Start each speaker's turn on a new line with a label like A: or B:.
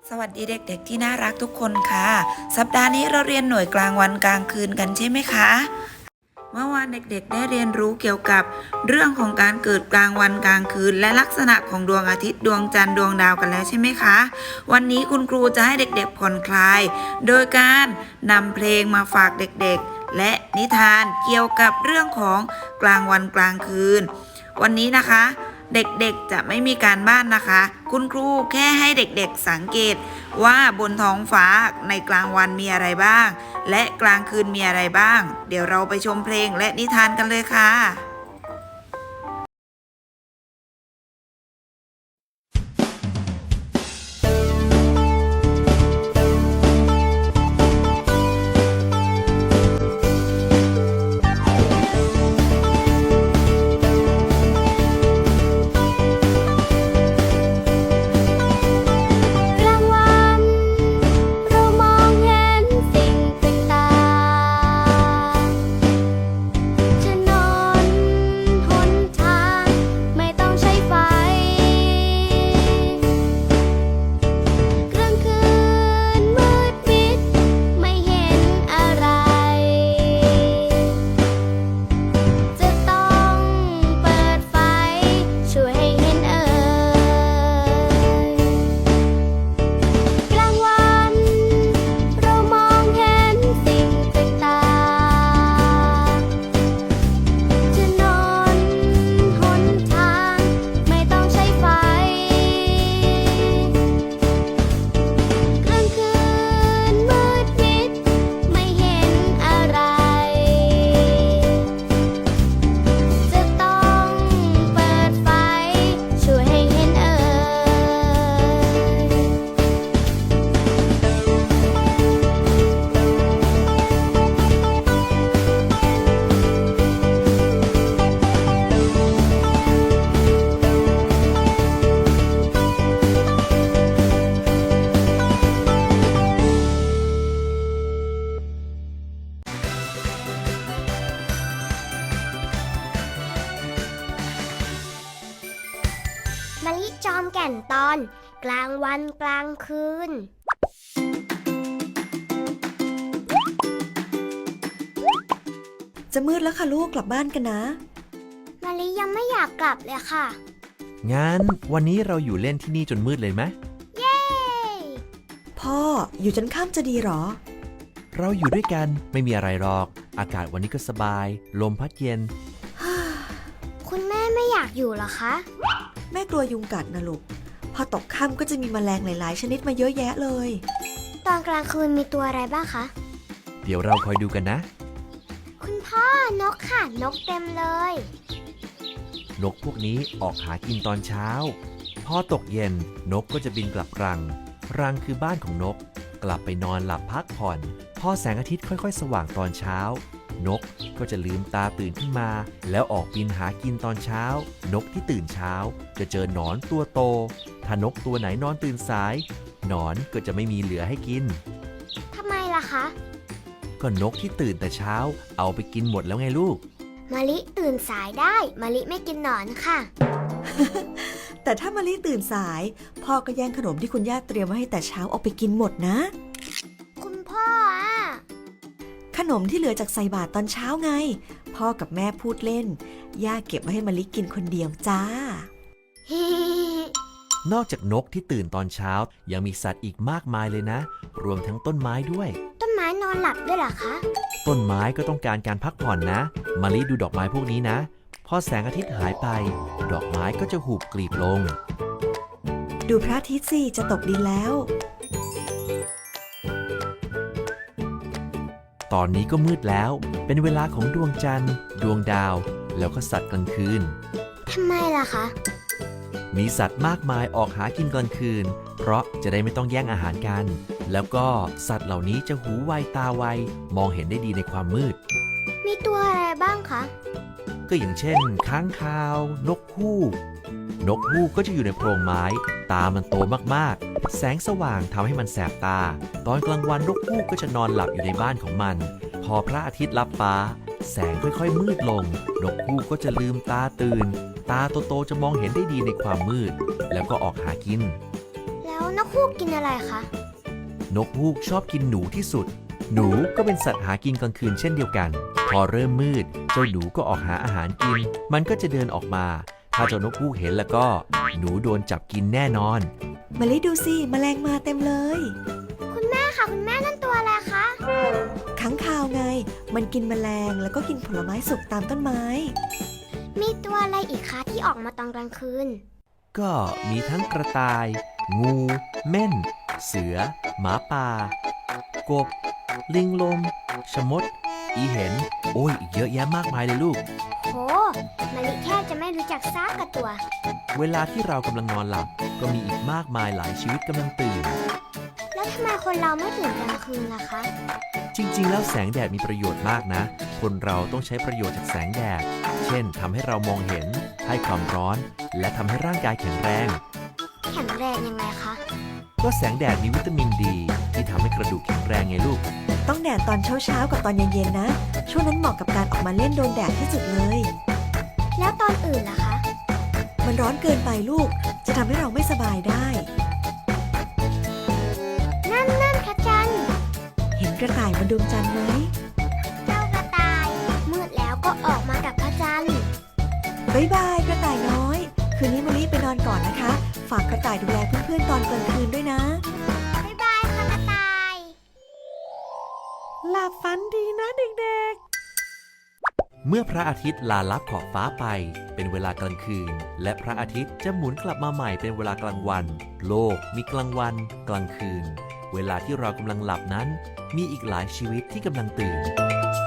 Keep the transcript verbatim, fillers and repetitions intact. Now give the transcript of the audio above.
A: สวัสดีเด็กๆที่น่ารักทุกคนค่ะสัปดาห์นี้เราเรียนหน่วยกลางวันกลางคืนกันใช่ไหมคะเมื่อวานเด็กๆได้เรียนรู้เกี่ยวกับเรื่องของการเกิดกลางวันกลางคืนและลักษณะของดวงอาทิตย์ดวงจันทร์ดวงดาวกันแล้วใช่ไหมคะวันนี้คุณครูจะให้เด็กๆผ่อนคลายโดยการนำเพลงมาฝากเด็กๆและนิทานเกี่ยวกับเรื่องของกลางวันกลางคืนวันนี้นะคะเด็กๆจะไม่มีการบ้านนะคะคุณครูแค่ให้เด็กๆสังเกตว่าบนท้องฟ้าในกลางวันมีอะไรบ้างและกลางคืนมีอะไรบ้างเดี๋ยวเราไปชมเพลงและนิทานกันเลยค่ะ
B: มะลิจอมแก่นตอนกลางวันกลางคืน
C: จะมืดแล้วค่ะลูกกลับบ้านกันนะ
B: มะลิยังไม่อยากกลับเลยค่ะ
D: งั้นวันนี้เราอยู่เล่นที่นี่จนมืดเลยไหม
B: เย้
C: พ่ออยู่จนค่ำจะดีหรอ
D: เราอยู่ด้วยกันไม่มีอะไรหรอกอากาศวันนี้ก็สบายลมพัดเย็น
B: คุณแม่ไม่อยากอยู่หรอคะ
C: แม่กลัวยุงกัดนะลูกพอตกค่ำก็จะมีแมลงหลายๆชนิดมาเยอะแยะเลย
B: ตอนกลางคืนมีตัวอะไรบ้างคะ
D: เดี๋ยวเราคอยดูกันนะ
B: คุณพ่อนกค่ะนกเต็มเลย
D: นกพวกนี้ออกหากินตอนเช้าพอตกเย็นนกก็จะบินกลับรังรังคือบ้านของนกกลับไปนอนหลับพักผ่อนพอแสงอาทิตย์ค่อยๆสว่างตอนเช้านกก็จะลืมตาตื่นขึ้นมาแล้วออกบินหากินตอนเช้านกที่ตื่นเช้าจะเจอหนอนตัวโตถ้านกตัวไหนนอนตื่นสายหนอนก็จะไม่มีเหลือให้กิน
B: ทำไมล่ะคะ
D: ก็นกที่ตื่นแต่เช้าเอาไปกินหมดแล้วไงลูก
B: มะลิตื่นสายได้มะลิไม่กินหนอนค่ะ
C: แต่ถ้ามะลิตื่นสายพ่อก็แย่งขนมที่คุณย่าเตรียมไว้ให้แต่เช้าเอาไปกินหมดนะ
B: คุณพ่ออ่ะ
C: ขนมที่เหลือจากใส่บาตรตอนเช้าไงพ่อกับแม่พูดเล่นย่าเก็บไว้ให้มะลิกินคนเดียวจ้า
D: นอกจากนกที่ตื่นตอนเช้ายังมีสัตว์อีกมากมายเลยนะรวมทั้งต้นไม้ด้วย
B: ต้นไม้นอนหลับด้วยเหรอคะ
D: ต้นไม้ก็ต้องการการพักผ่อนนะมะลิดูดอกไม้พวกนี้นะพอแสงอาทิตย์หายไปดอกไม้ก็จะหูบกลีบลง
C: ดูพระอาทิตย์สิจะตกดินแล้ว
D: ตอนนี้ก็มืดแล้วเป็นเวลาของดวงจันทร์ดวงดาวแล้วก็สัตว์กลางคืน
B: ทำไมล่ะคะ
D: มีสัตว์มากมายออกหากินกลางคืนเพราะจะได้ไม่ต้องแย่งอาหารกันแล้วก็สัตว์เหล่านี้จะหูไวตาไวมองเห็นได้ดีในความมืด
B: มีตัวอะไรบ้างคะ
D: ก็อย่างเช่นค้างคาวนกฮูกนกฮูกก็จะอยู่ในโพรงไม้ตามันโตมากๆแสงสว่างทำให้มันแสบตาตอนกลางวันนกฮูกก็จะนอนหลับอยู่ในบ้านของมันพอพระอาทิตย์ลับฟ้าแสงค่อยๆมืดลงนกฮูกก็จะลืมตาตื่นตาโตๆจะมองเห็นได้ดีในความมืดแล้วก็ออกหากิน
B: แล้แล้วนกฮูกกินอะไรคะ
D: นกฮูกชอบกินหนูที่สุด หนูก็เป็นสัตว์หากินกลางคืนเช่นเดียวกัน พอเริ่มมืด เจ้าหนูก็ออกหาอาหารกิน มันก็จะเดินออกมา ถ้าเจ้านกฮูกเห็นแล้วก็ หนูโดนจับกินแน่นอน
C: มะลิดูสิแมลงมาเต็มเลย
B: คุณแม่ค่ะคุณแม่นั่นตัวอะไรคะ
C: ค้างคาวไง มันกินแมลงแล้วก็กินผลไม้สุกตามต้นไม้
B: มีตัวอะไรอีกคะที่ออกมาตอนกลางคืน
D: ก็มีทั้งกระต่าย งู เม่น เสือ หมาป่า กบ ลิงลม ชะมด อีเห็น โอ้ยอีกเยอะแยะมากมายเลยลูก
B: โหมะลิแทบจะไม่รู้จักซากกับตัว
D: เวลาที่เรากำลังนอนหลับ ก็มีอีกมากมายหลายชีวิตกำลังตื่น
B: แล้วทำไมคนเราไม่ตื่นกลางคืนล่ะคะ
D: จริงๆ แล้วแสงแดดมีประโยชน์มากนะ คนเราต้องใช้ประโยชน์จากแสงแดด เช่นทำให้เรามองเห็น ให้ความร้อน และทำให้ร่างกายแข็งแรง
B: แข็งแรงยังไงคะ
D: ก็แสงแดดมีวิตามินดี ที่ทำให้กระดูกแข็งแรงไงลูก
C: ต้องแดดตอนเช้าๆกับตอนเย็นๆนะ ช่วงนั้นเหมาะกับการออกมาเล่นโดนแดดที่สุดเลย
B: แล้วตอนอื่นล่ะคะ
C: มันร้อนเกินไปลูก จะทำให้เราไม่สบายได้
B: นั่นนั่นพระจันทร์
C: เห็นกระต่ายบนดวงจันทร์ไหม
B: เจ้ากระต่าย มืดแล้วก็ออกมากับพระจันทร์
C: บ๊ายบายกระต่ายน้อย คืนนี้มะลิไปนอนก่อนนะคะ ฝากกระต่ายดูแลเพื่อนๆตอนกลางคืนด้วยนะ
B: บ๊ายบายค่ะกระต่าย
C: หลับฝันดีนะเด็กๆ
D: เมื่อพระอาทิตย์ลาลับขอบฟ้าไป เป็นเวลากลางคืน และพระอาทิตย์จะหมุนกลับมาใหม่เป็นเวลากลางวัน โลกมีกลางวัน กลางคืน เวลาที่เรากำลังหลับนั้น มีอีกหลายชีวิตที่กำลังตื่น